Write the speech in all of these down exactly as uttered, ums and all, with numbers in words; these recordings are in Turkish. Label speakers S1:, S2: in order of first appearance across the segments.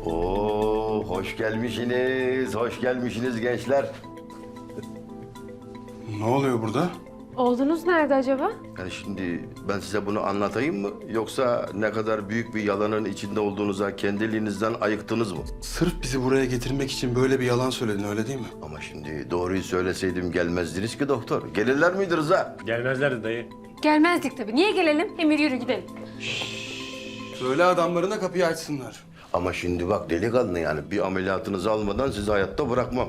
S1: Oo, hoş gelmişsiniz, hoş gelmişsiniz gençler.
S2: Ne oluyor burada?
S3: Oğlunuz nerede acaba?
S1: Yani şimdi ben size bunu anlatayım mı? Yoksa ne kadar büyük bir yalanın içinde olduğunuza kendiliğinizden ayıktınız mı?
S2: Sırf bizi buraya getirmek için böyle bir yalan söyledin, öyle değil mi?
S1: Ama şimdi doğruyu söyleseydim gelmezdiniz ki doktor. Gelirler miydi Rıza?
S4: Gelmezlerdi dayı.
S3: Gelmezdik tabii. Niye gelelim? Emir yürü gidelim.
S2: Söyle adamlarına kapıyı açsınlar.
S1: Ama şimdi bak delikanlı yani bir ameliyatınızı almadan sizi hayatta bırakmam.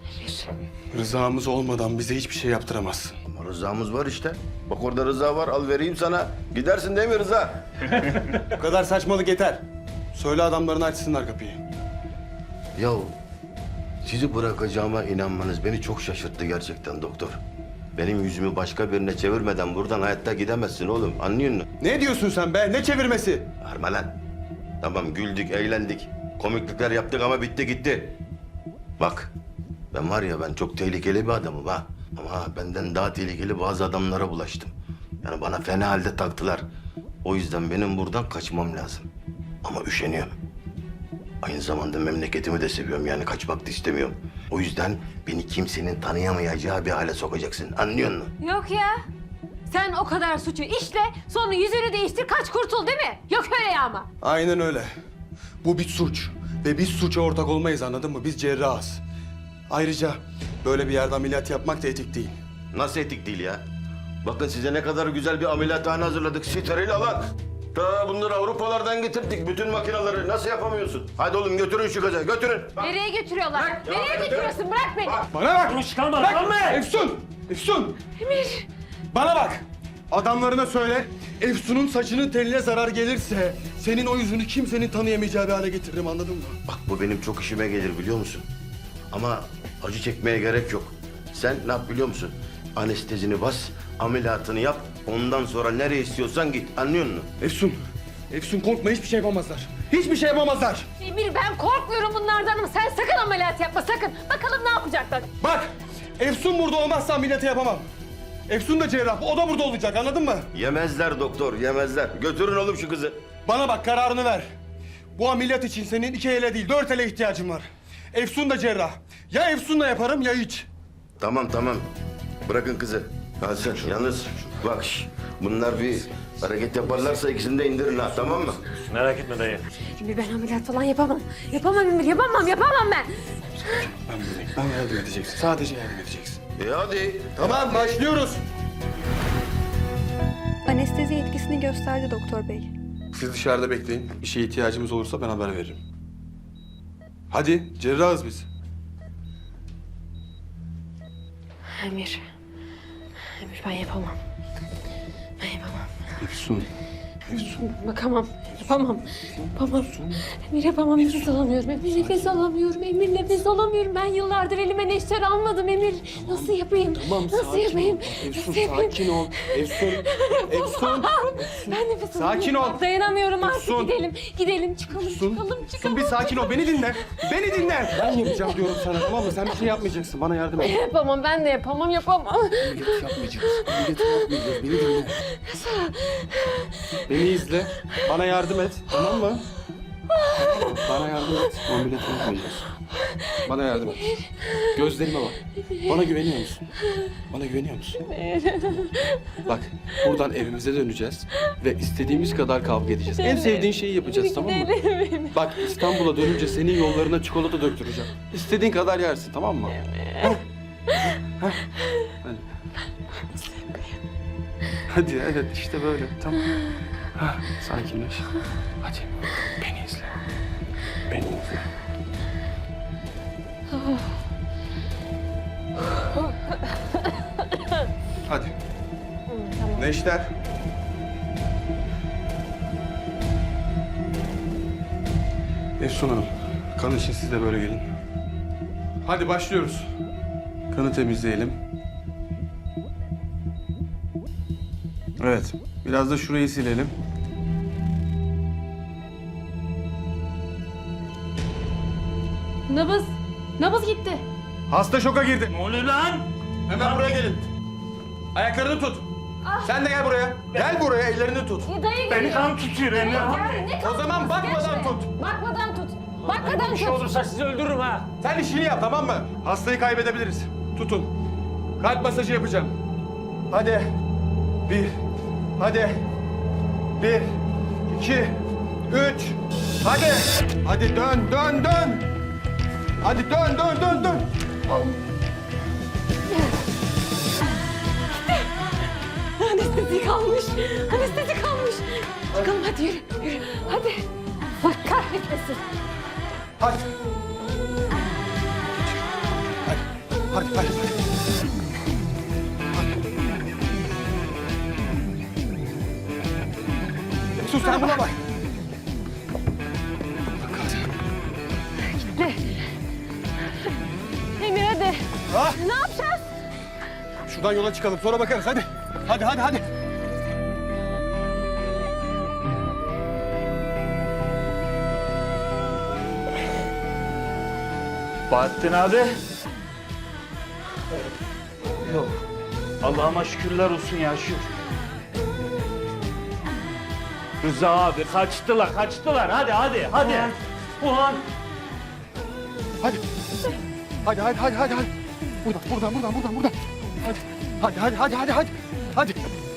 S2: Rızamız olmadan bize hiçbir şey yaptıramazsın.
S1: Ama Rıza'mız var işte. Bak orada Rıza var, al vereyim sana. Gidersin değil mi Rıza?
S2: Bu kadar saçmalık yeter. Söyle adamlarına açsınlar kapıyı.
S1: Yahu sizi bırakacağıma inanmanız beni çok şaşırttı gerçekten doktor. Benim yüzümü başka birine çevirmeden buradan hayatta gidemezsin oğlum. Anlıyor musun?
S2: Ne diyorsun sen be? Ne çevirmesi?
S1: Harma lan. Tamam güldük, eğlendik. Komiklikler yaptık ama bitti gitti. Bak ben var ya ben çok tehlikeli bir adamım ha. Ama benden daha tehlikeli bazı adamlara bulaştım. Yani bana fena halde taktılar. O yüzden benim buradan kaçmam lazım. Ama üşeniyorum. Aynı zamanda memleketimi de seviyorum yani kaçmak da istemiyorum. O yüzden beni kimsenin tanıyamayacağı bir hale sokacaksın. Anlıyor musun?
S3: Yok ya. Sen o kadar suçu işle, sonra yüzünü değiştir, kaç kurtul değil mi? Yok öyle ya ama.
S2: Aynen öyle. Bu bir suç. Ve biz suça ortak olmayız, anladın mı? Biz cerrahız. Ayrıca böyle bir yerde ameliyat yapmak da etik değil.
S1: Nasıl etik değil ya? Bakın size ne kadar güzel bir ameliyathane hazırladık. Steril alan. Ta bunları Avrupalardan getirdik. Bütün makineleri nasıl yapamıyorsun? Hadi oğlum götürün şu kızı, götürün.
S3: Nereye götürüyorlar?
S1: Bırak ya,
S3: Nereye
S1: bırak.
S3: götürüyorsun? Bırak beni.
S2: Bana bak!
S4: Konuş kalma,
S2: Bak!
S4: kalma!
S2: Efsun! Efsun!
S3: Emir.
S2: Bana bak! Adamlarına söyle, Efsun'un saçının teline zarar gelirse... ...senin o yüzünü kimsenin tanıyamayacağı bir hale getiririm, anladın mı?
S1: Bak bu benim çok işime gelir biliyor musun? Ama acı çekmeye gerek yok. Sen ne yap biliyor musun? Anestezini bas, ameliyatını yap. Ondan sonra nereye istiyorsan git. Anlıyor musun?
S2: Efsun! Efsun korkma, hiçbir şey yapamazlar. Hiçbir şey yapamazlar!
S3: Emir ben korkmuyorum bunlardan ama sen sakın ameliyat yapma sakın. Bakalım ne yapacaklar.
S2: Bak! Efsun burada olmazsa ameliyatı yapamam. Efsun da cerrah, o da burada olacak, anladın mı?
S1: Yemezler doktor, yemezler. Götürün oğlum şu kızı.
S2: Bana bak, kararını ver. Bu ameliyat için senin iki ele değil, dört ele ihtiyacın var. Efsun da cerrah. Ya Efsun'la yaparım ya hiç.
S1: Tamam tamam. Bırakın kızı. Kalsın. Yalnız bak şş, bunlar bir hareket yaparlarsa ikisini de indirin ha, tamam mı?
S4: Merak etme dayı.
S3: Emir ben ameliyat falan yapamam. Yapamam Emir yapamam yapamam ben.
S2: Ben buradayım. Bana yardım edeceksin. Sadece yardım edeceksin.
S1: E hadi.
S2: Tamam, başlıyoruz.
S5: Anestezi etkisini gösterdi doktor bey.
S2: Siz dışarıda bekleyin. Bir şeye ihtiyacımız olursa ben haber veririm. Hadi, cerrahız biz.
S3: Emir. Emir ben yapamam. Ben yapamam.
S2: Efsun.
S3: Bakamam. Yapamam. Yapamam. Emir yapamam. Nefes alamıyorum. Emir nefes alamıyorum. Emir nefes alamıyorum. Ben yıllardır elime neşter almadım Emir. Nasıl yapayım? Nasıl yapayım?
S2: Efsun,
S3: Nasıl yapayım?
S2: sakin ol. Efsun, Efsun.
S3: Ben nefes
S2: Sakin
S3: alamıyorum.
S2: ol.
S3: Dayanamıyorum artık.
S2: Efsun.
S3: Gidelim. Gidelim. Çıkalım.
S2: Efsun,
S3: Çıkalım.
S2: Efsun
S3: Çıkalım.
S2: bir sakin ol. Beni dinle. Beni dinle. Ben yapacağım diyorum sana, tamam mı? Sen bir şey yapmayacaksın. Bana yardım et.
S3: Yapamam. Ben de yapamam. Yapamam.
S2: Ameliyat yapmayacağız. Ameliyat yapmayacağız. Beni dinle. Beni izle. Bana yardım et. Tamam mı? Bana yardım et. Ameliyat yapmayacağız. Bana yardım et. Gözlerime bak. Bana güveniyor musun? Bana güveniyor musun? Bak, buradan evimize döneceğiz ve istediğimiz kadar kavga edeceğiz. En sevdiğin şeyi yapacağız, tamam mı? Bak, İstanbul'a dönünce senin yollarına çikolata döktüreceğim. İstediğin kadar yersin, tamam mı? Heh. Heh. Hadi. Hadi, evet işte böyle, tamam. Hah, sakinleş. Hadi, beni izle. Beni izle. Hadi. Neşter. Efsun Hanım, kan için siz de böyle gelin. Hadi başlıyoruz. Kanı temizleyelim. Evet, biraz da şurayı silelim.
S3: Nabız. Nabız gitti.
S2: Hasta şoka girdi.
S4: Ne oluyor lan?
S2: Hemen buraya gelin. Ayaklarını tut. Sen de gel buraya. Gel buraya, ellerini tut.
S3: E, dayı
S4: Beni
S3: geliyor.
S4: kan tutuyor Emre.
S3: Yani ne
S2: O zaman
S3: kalkması?
S2: bakmadan
S3: Geç be.
S2: tut.
S3: Bakmadan tut. Bak adam
S4: Bir şey olursa sizi öldürürüm ha.
S2: Sen işini yap, tamam mı? Hastayı kaybedebiliriz. Tutun. Kalp masajı yapacağım. Hadi. Bir. Hadi. Bir. İki. Üç. Hadi. Hadi dön, dön, dön. Hadi dön, dön, dön, dön.
S3: Anestezi kalmış. Anestezi kalmış. Çıkalım hadi yürü. Yürü. Hadi. Allah kahretmesin.
S2: Hadi. Hadi, hadi, hadi. Sus sen buna bak.
S3: Emir hadi.
S2: Ha?
S3: Ne yapacağız?
S2: Şuradan yola çıkalım sonra bakarız hadi. Hadi hadi hadi.
S4: Bahattin abi. Yok. Allah'ıma şükürler olsun ya şükür. Rıza abi kaçtılar kaçtılar hadi hadi hadi. Ulan.
S2: Hadi. Hadi hadi hadi hadi hadi. Buradan buradan buradan buradan buradan. Hadi. Hadi hadi hadi hadi hadi. Hadi.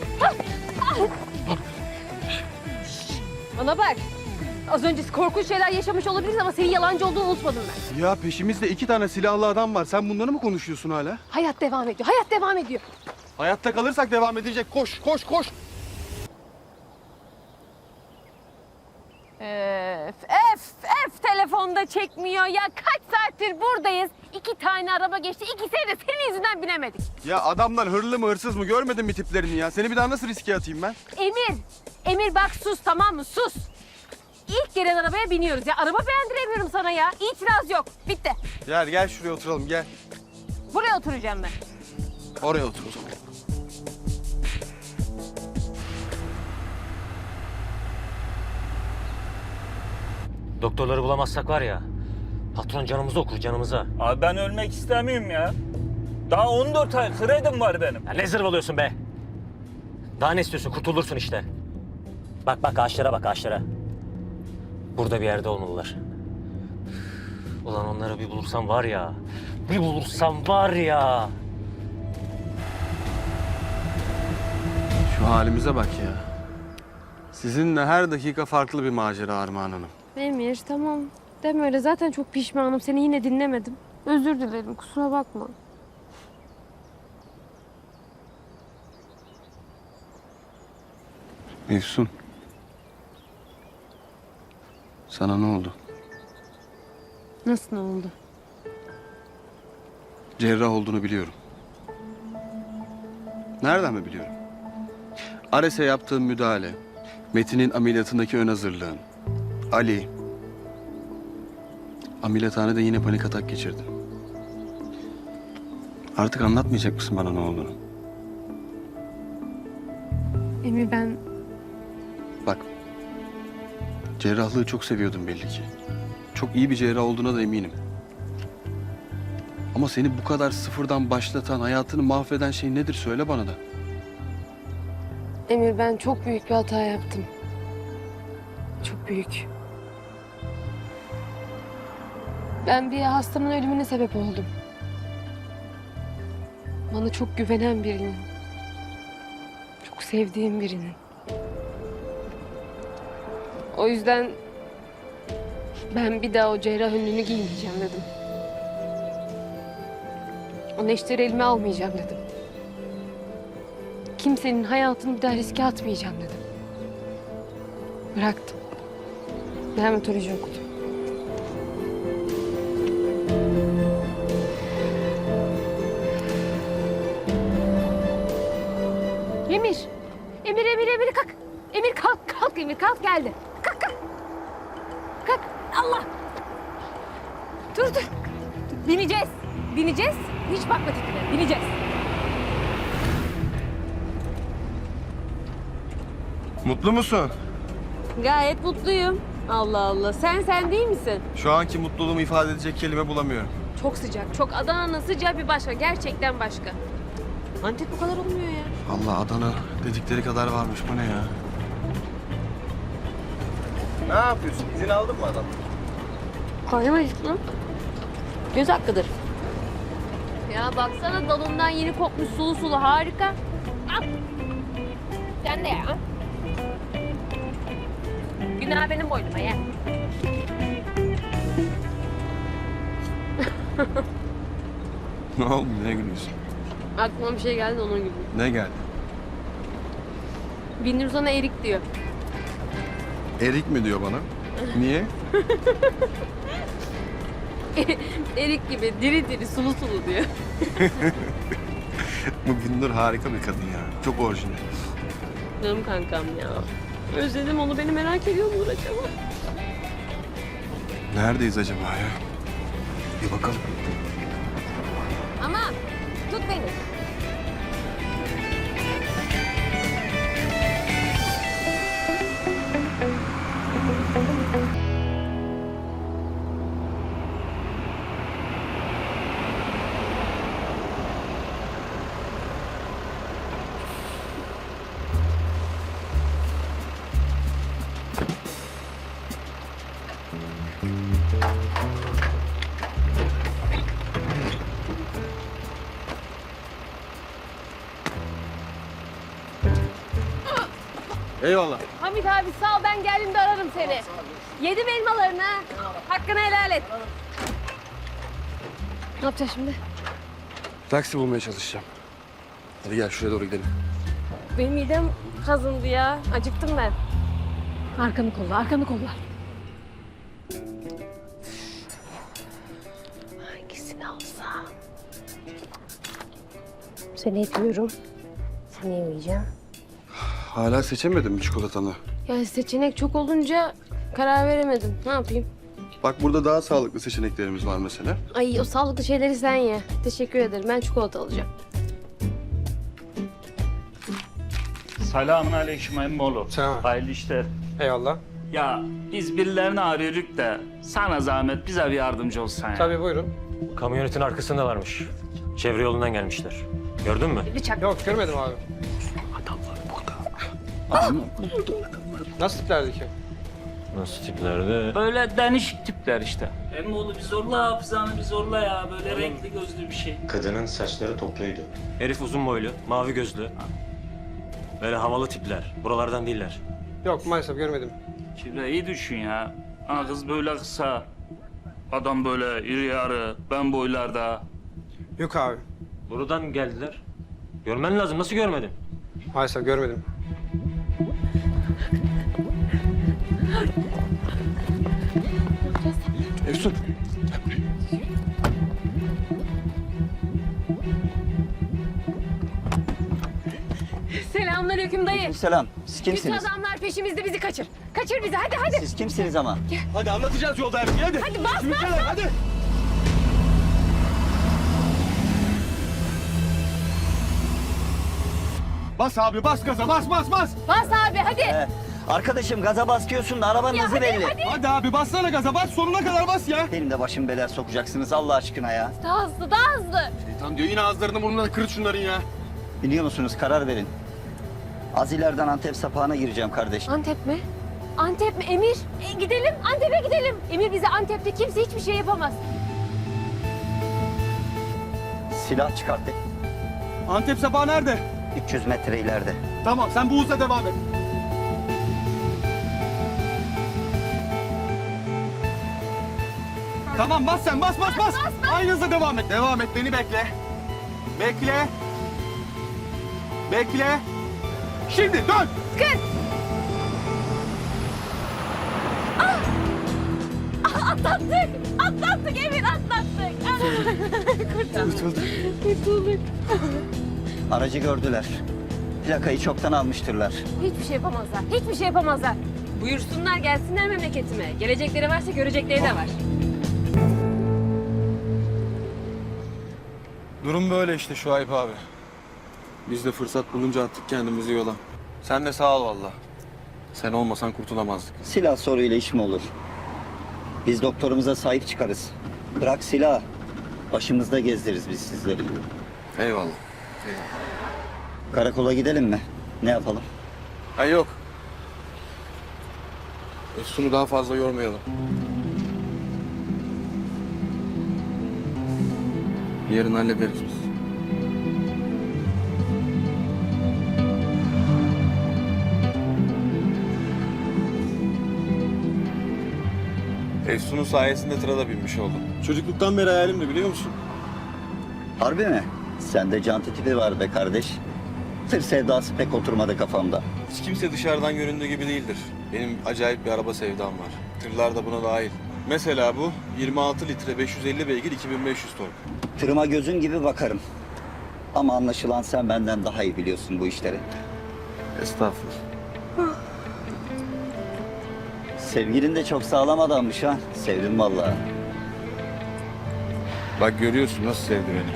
S3: Bana bak. Az önce korkunç şeyler yaşamış olabiliriz ama senin yalancı olduğunu unutmadım ben.
S2: Ya peşimizde iki tane silahlı adam var. Sen bunları mı konuşuyorsun hala?
S3: Hayat devam ediyor. Hayat devam ediyor.
S2: Hayatta kalırsak devam edecek. Koş koş koş.
S3: Öf, öf, öf telefonda çekmiyor ya. Kaç saattir buradayız. İki tane araba geçti. İkisini de senin yüzünden binemedik.
S2: Ya adamlar hırlı mı hırsız mı görmedin mi tiplerini ya? Seni bir daha nasıl riske atayım ben?
S3: Emir, Emir bak sus tamam mı? Sus. İlk gelen arabaya biniyoruz ya. Araba beğendiremiyorum sana ya. İtiraz yok. Bitti.
S2: Gel gel şuraya oturalım gel.
S3: Buraya oturacağım ben.
S2: Oraya otur o zaman.
S6: Doktorları bulamazsak var ya, patron canımızı okur canımıza.
S4: Abi ben ölmek istemiyorum ya. Daha on dört ay kredim var benim.
S6: Ya ne zırvalıyorsun be? Daha ne istiyorsun? Kurtulursun işte. Bak bak ağaçlara bak ağaçlara. Burada bir yerde olmalılar. Ulan onları bir bulursam var ya, bir bulursam var ya.
S2: Şu halimize bak ya. Sizinle her dakika farklı bir macera Armağan Hanım.
S3: Emir tamam. Deme öyle. Zaten çok pişmanım. Seni yine dinlemedim. Özür dilerim. Kusura bakma.
S2: Efsun. Sana ne oldu?
S3: Nasıl ne oldu?
S2: Cerrah olduğunu biliyorum. Nereden mi biliyorum? Ares'e yaptığın müdahale, Metin'in ameliyatındaki ön hazırlığın, Ali. Ameliyathanede yine panik atak geçirdin. Artık anlatmayacak mısın bana ne olduğunu?
S3: Emir ben...
S2: Bak, cerrahlığı çok seviyordun belli ki. Çok iyi bir cerrah olduğuna da eminim. Ama seni bu kadar sıfırdan başlatan, hayatını mahveden şey nedir söyle bana da.
S3: Emir ben çok büyük bir hata yaptım. Çok büyük. Ben bir hastanın ölümüne sebep oldum. Bana çok güvenen birinin. Çok sevdiğim birinin. O yüzden ben bir daha o cerrah önlüğünü giymeyeceğim dedim. O neşteri elime almayacağım dedim. Kimsenin hayatını bir daha riske atmayacağım dedim. Bıraktım. Dermatoloji okudum. Emir. Emir, Emir, Emir kalk. Emir kalk, kalk Emir kalk geldi. Kalk, kalk. Kalk. Allah. Dur, dur. Bineceğiz. Bineceğiz. Hiç bakma tipine. Bineceğiz.
S2: Mutlu musun?
S3: Gayet mutluyum. Allah Allah. Sen sen değil misin?
S2: Şu anki mutluluğumu ifade edecek kelime bulamıyorum.
S3: Çok sıcak. Çok Adana'nın sıcağı bir başka. Gerçekten başka. Antep bu kadar olmuyor ya.
S2: Allah Adana dedikleri kadar varmış. Bu ne ya? Ne yapıyorsun? İzin aldın mı adam?
S3: Koymayız mı? Göz hakkıdır. Ya baksana dalından yeni kopmuş sulu sulu harika. Al. Sen de ya. Günah benim boynuma ya.
S2: Ne oldu? Ne gülüyorsun?
S3: Aklıma bir şey geldi onun gibi.
S2: Ne geldi?
S3: Binur sana erik diyor.
S2: Erik mi diyor bana? Niye?
S3: Erik gibi diri diri sulu sulu diyor.
S2: Bu Gündür harika bir kadın ya. Çok orijinal.
S3: Canım kankam ya. Özledim onu, beni merak ediyor mudur acaba?
S2: Neredeyiz acaba ya? Bir bakalım.
S3: Ama tut beni.
S2: Eyvallah.
S3: Hamit abi sağ ol, ben geldiğimde ararım seni. Yedim elmalarını ha. Hakkını helal et. Ne yapacağız şimdi?
S2: Taksi bulmaya çalışacağım. Hadi gel şuraya doğru gidelim.
S3: Benim midem kazındı ya. Acıktım ben. Arkanı kolla, arkanı kolla. Hangisini alsam? Seni etmiyorum. Seni yemeyeceğim.
S2: Hala seçemedim mi çikolatanı?
S3: Ya seçenek çok olunca karar veremedim. Ne yapayım?
S2: Bak burada daha sağlıklı seçeneklerimiz var mesela.
S3: Ay o sağlıklı şeyleri sen ye. Teşekkür ederim. Ben çikolata alacağım.
S4: Selamun aleyküm emmoğlu.
S2: Selam.
S4: Hayırlı işler.
S2: Eyvallah.
S4: Ya biz birilerini arıyorduk da sana zahmet bize bir yardımcı olsan ya.
S7: Tabii buyurun.
S6: Kamyonetin arkasındalarmış. Çevre yolundan gelmişler. Gördün mü?
S3: Bıçak.
S7: Yok görmedim abi. Nasıl tiplerdi ki?
S6: Nasıl tiplerdi?
S4: Böyle değişik tipler işte. Emmoğlu bir zorla hafızanı bir zorla ya. Böyle renkli gözlü bir şey.
S8: Kadının saçları topluydu.
S6: Herif uzun boylu, mavi gözlü. Böyle havalı tipler. Buralardan değiller.
S7: Yok maalesef görmedim.
S4: Kibra iyi düşün ya. Ha, kız böyle kısa. Adam böyle iri yarı. Ben boylarda.
S7: Yok abi.
S6: Buradan geldiler. Görmen lazım. Nasıl görmedin?
S7: Maalesef görmedim.
S2: Efsun.
S3: Selamünaleyküm dayı.
S9: Selam. Siz
S3: Bütün
S9: kimsiniz?
S3: adamlar peşimizde, bizi kaçır. Kaçır bizi, hadi hadi.
S9: Siz kimsiniz ama?
S2: Hadi anlatacağız yolda her şeyi hadi.
S3: Hadi bas bas bas.
S2: Hadi. Bas abi bas gaza bas bas bas.
S3: Bas abi hadi.
S9: Ee, arkadaşım gaza basıyorsun da arabanın
S3: Ya
S9: hızı
S3: hadi,
S9: belli.
S3: hadi.
S2: Hadi abi bassana gaza bas sonuna kadar bas ya.
S9: Benim de başım belaya sokacaksınız Allah aşkına ya.
S3: Daha hızlı, daha hızlı.
S2: Tamam diyor yine ağızlarını burnuna kırıt şunların ya.
S9: Biliyor musunuz karar verin. Az ileriden Antep sapağına gireceğim kardeş.
S3: Antep mi? Antep mi? Emir, e, gidelim. Antep'e gidelim. Emir bize Antep'te kimse hiçbir şey yapamaz.
S9: Silah çıkarttı.
S2: Antep sapağı nerede?
S9: üç yüz metre ileride.
S2: Tamam sen bu hızla devam et. Tamam bas sen bas bas bas. Aynı hızla devam et. Devam et beni bekle. Bekle. Bekle. Şimdi dön.
S3: Kız! Ah, atlattık! Atlattık Emir, atlattık! Kurtulduk. Kurtulduk.
S9: Aracı gördüler. Plakayı çoktan almıştırlar.
S3: Hiçbir şey yapamazlar, hiçbir şey yapamazlar. Buyursunlar gelsinler memleketime. Gelecekleri varsa görecekleri de var.
S2: Durum böyle işte Şuayb abi. Biz de fırsat bulunca attık kendimizi yola. Sen de sağ ol valla. Sen olmasan kurtulamazdık.
S9: Silah soruyla iş mi olur? Biz doktorumuza sahip çıkarız. Bırak silah. Başımızda gezdiririz biz sizleri.
S2: Eyvallah.
S9: Karakola gidelim mi? Ne yapalım?
S2: Ha yok. Efsun'u daha fazla yormayalım. Yarın hallederiz biz. Efsun'un sayesinde tıra da binmiş oldum. Çocukluktan beri hayalimdi biliyor musun?
S9: Harbi mi? Sende canti tipi var be kardeş. Tır sevdası pek oturmadı kafamda.
S2: Hiç kimse dışarıdan göründüğü gibi değildir. Benim acayip bir araba sevdam var. Tırlar da buna dahil. Mesela bu yirmi altı litre beş yüz elli beygir iki bin beş yüz tork.
S9: Tırıma gözün gibi bakarım. Ama anlaşılan sen benden daha iyi biliyorsun bu işleri.
S2: Estağfurullah.
S9: Sevgilin de çok sağlam adammış ha. Sevdim vallahi.
S2: Bak görüyorsun nasıl sevdi beni.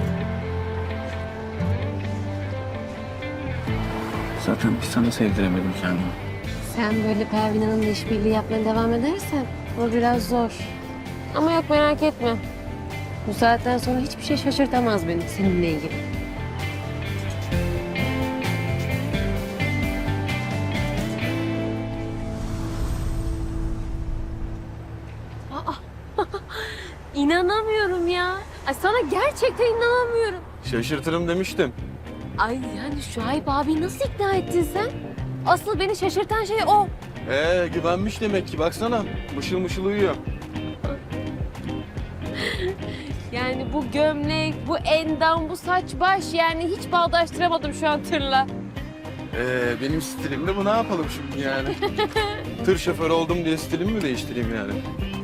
S2: Zaten bir sana sevdiremedim kendimi.
S3: Sen böyle Pervin Hanım'la işbirliği yapmaya devam edersen o biraz zor. Ama yok merak etme. Bu saatten sonra hiçbir şey şaşırtamaz beni seninle ilgili. Aa, İnanamıyorum ya. Ay sana gerçekten inanamıyorum.
S2: Şaşırtırım demiştim.
S3: Ay yani Şuayb abi nasıl ikna ettin sen? Asıl beni şaşırtan şey o.
S2: Ee güvenmiş demek ki baksana. Mışıl mışıl uyuyor.
S3: Yani bu gömlek, bu endam, bu saç baş yani hiç bağdaştıramadım şu an tırla.
S2: Ee benim stilim de bu, ne yapalım şimdi yani? Tır şoförü oldum diye stilimi mi değiştireyim yani?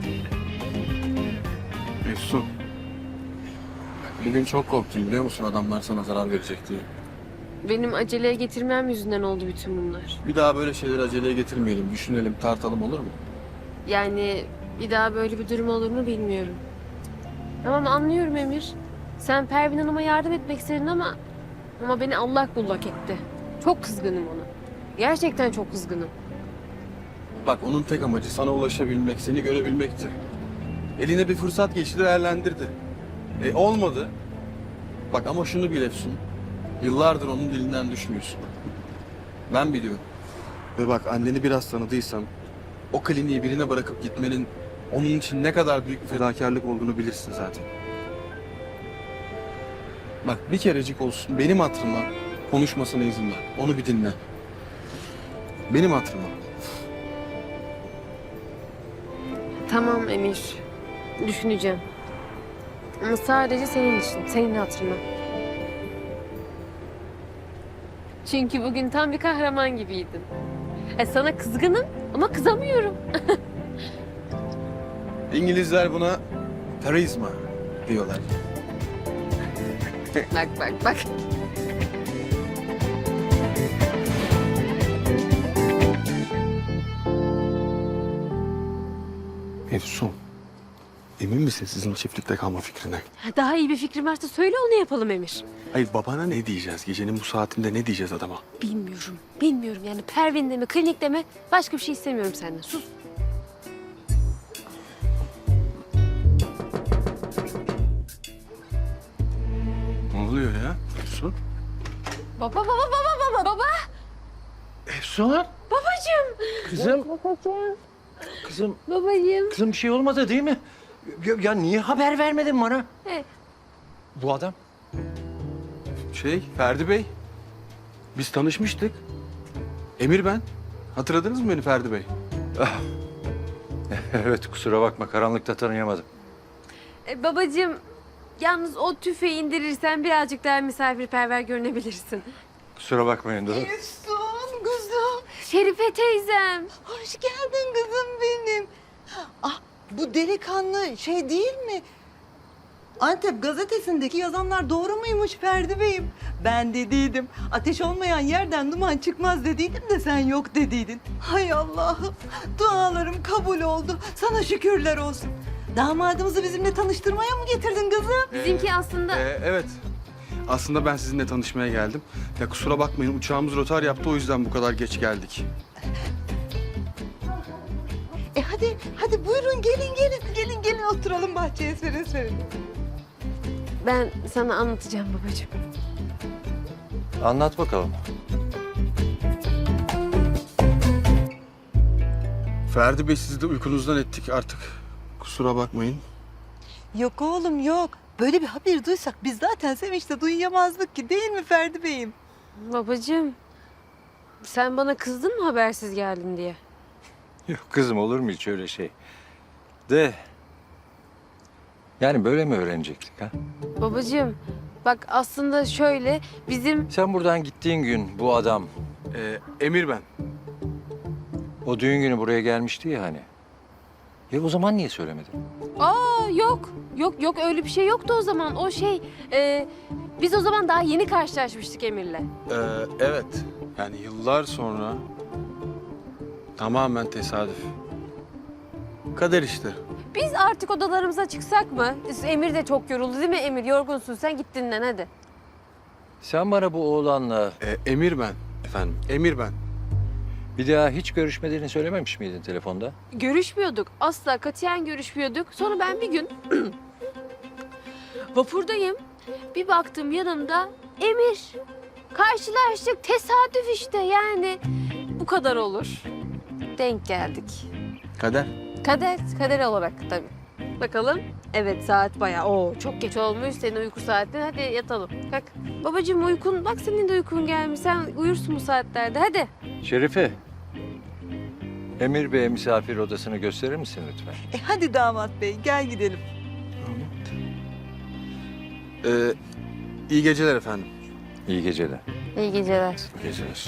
S2: Efsun. Bugün çok korktum biliyor musun, adamlar sana zarar verecek diye.
S3: Benim aceleye getirmem yüzünden oldu bütün bunlar.
S2: Bir daha böyle şeyleri aceleye getirmeyelim, düşünelim, tartalım, olur mu?
S3: Yani bir daha böyle bir durum olur mu bilmiyorum. Tamam anlıyorum Emir. Sen Pervin Hanım'a yardım etmek istedin ama... Ama beni allak bullak etti. Çok kızgınım ona. Gerçekten çok kızgınım.
S2: Bak onun tek amacı sana ulaşabilmek, seni görebilmekti. Eline bir fırsat geçti, değerlendirdi. E olmadı. Bak ama şunu bil Efsun. Yıllardır onun dilinden düşmüyorsun. Ben biliyorum. Ve bak anneni biraz tanıdıysam o kliniği birine bırakıp gitmenin onun için ne kadar büyük bir fedakarlık olduğunu bilirsin zaten. Bak bir kerecik olsun benim hatırıma konuşmasına izin ver. Onu bir dinle. Benim hatırıma.
S3: Tamam Emir. Düşüneceğim. Ama sadece senin için, senin hatırına. Çünkü bugün tam bir kahraman gibiydin. E sana kızgınım ama kızamıyorum.
S2: İngilizler buna karizma diyorlar.
S3: Bak bak bak.
S2: Efsun, emin misin sizin çiftlikte kalma fikrine?
S3: Daha iyi bir fikrim varsa söyle onu yapalım Emir.
S2: Hayır babana ne diyeceğiz? Gecenin bu saatinde ne diyeceğiz adama?
S3: Bilmiyorum, bilmiyorum yani Pervin'de mi, klinikte mi? Başka bir şey istemiyorum senden. Sus.
S2: Ne oluyor ya Efsun?
S3: Baba, baba, baba, baba, baba.
S8: Efsun,
S3: Babacığım.
S8: kızım,
S3: Babacığım.
S8: kızım,
S3: Babacığım.
S8: kızım bir şey olmadı değil mi? Ya, ya niye haber vermedin bana?
S3: Evet.
S8: Bu adam.
S2: Şey, Ferdi Bey. Biz tanışmıştık. Emir ben. Hatırladınız mı beni Ferdi Bey?
S8: Evet, kusura bakma, karanlıkta tanıyamadım.
S3: E, babacığım, yalnız o tüfeği indirirsen birazcık daha misafirperver görünebilirsin.
S8: Kusura bakmayın da.
S10: Efsun kızım.
S3: Şerife teyzem.
S10: Hoş geldin kızım benim. Ah bu delikanlı şey değil mi? Antep gazetesindeki yazanlar doğru muymuş Ferdi Bey'im? Ben dediydim. Ateş olmayan yerden duman çıkmaz dediydim de sen yok dediydin. Hay Allah'ım. Dualarım kabul oldu. Sana şükürler olsun. Damadımızı bizimle tanıştırmaya mı getirdin kızım?
S3: Bizimki aslında...
S2: Ee, evet. Aslında ben sizinle tanışmaya geldim. Ya kusura bakmayın uçağımız rotar yaptı, o yüzden bu kadar geç geldik.
S10: E hadi, hadi buyurun gelin gelin. Gelin gelin oturalım bahçeye serin serin.
S3: Ben sana anlatacağım babacığım.
S8: Anlat bakalım.
S2: Ferdi Bey sizi de uykunuzdan ettik artık. Kusura bakmayın.
S10: Yok oğlum yok. böyle bir haber duysak biz zaten sevinçle duyamazdık ki, değil mi Ferdi Bey'im?
S3: Babacığım, sen bana kızdın mı habersiz geldin diye?
S8: Yok kızım, olur mu hiç öyle şey? De... Yani böyle mi öğrenecektik ha?
S3: Babacığım, bak aslında şöyle, bizim...
S8: Sen buradan gittiğin gün bu adam
S2: Ee, Emir ben.
S8: o düğün günü buraya gelmişti ya hani. Ya o zaman niye söylemedin?
S3: Aa yok, yok yok öyle bir şey yoktu o zaman. O şey, e, biz o zaman daha yeni karşılaşmıştık Emir'le.
S2: Ee, evet. Yani yıllar sonra tamamen tesadüf. Kader işte.
S3: Biz artık odalarımıza çıksak mı? Emir de çok yoruldu değil mi Emir? Yorgunsun sen git dinlen hadi.
S8: Sen bana bu oğlanla
S2: Ee, Emir ben efendim. Emir ben.
S8: bir daha hiç görüşmediğini söylememiş miydin telefonda?
S3: Görüşmüyorduk. Asla katiyen görüşmüyorduk. Sonra ben bir gün vapurdayım. Bir baktım yanımda Emir. Karşılaştık. Tesadüf işte yani. Bu kadar olur. Denk geldik.
S2: Kader.
S3: Kader, kader olarak tabii. Bakalım. Evet saat bayağı. Oo çok geç olmuş senin uyku saatin. Hadi yatalım. Kalk. Babacığım uykun, bak senin de uykun gelmiş. Sen uyursun bu saatlerde. Hadi.
S8: Şerife, Emir Bey'e misafir odasını gösterir misin lütfen?
S10: E hadi damat bey, gel gidelim.
S2: Ee, iyi geceler efendim.
S8: İyi geceler.
S3: İyi geceler.
S8: İyi geceler.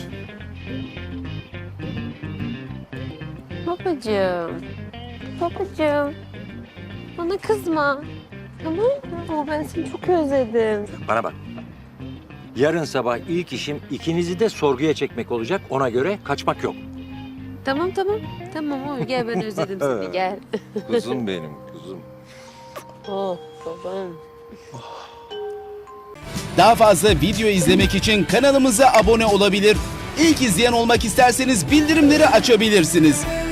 S3: Babacığım. Babacığım. Bana kızma. Tamam mı? Ama ben seni çok özledim.
S8: Bana bak. Yarın sabah ilk işim ikinizi de sorguya çekmek olacak. Ona göre kaçmak yok.
S3: Tamam tamam. Tamam oy gel ben özledim seni gel.
S8: Kuzum benim, kuzum.
S3: Oh babam.
S11: Daha fazla video izlemek için kanalımıza abone olabilir. İlk izleyen olmak isterseniz bildirimleri açabilirsiniz.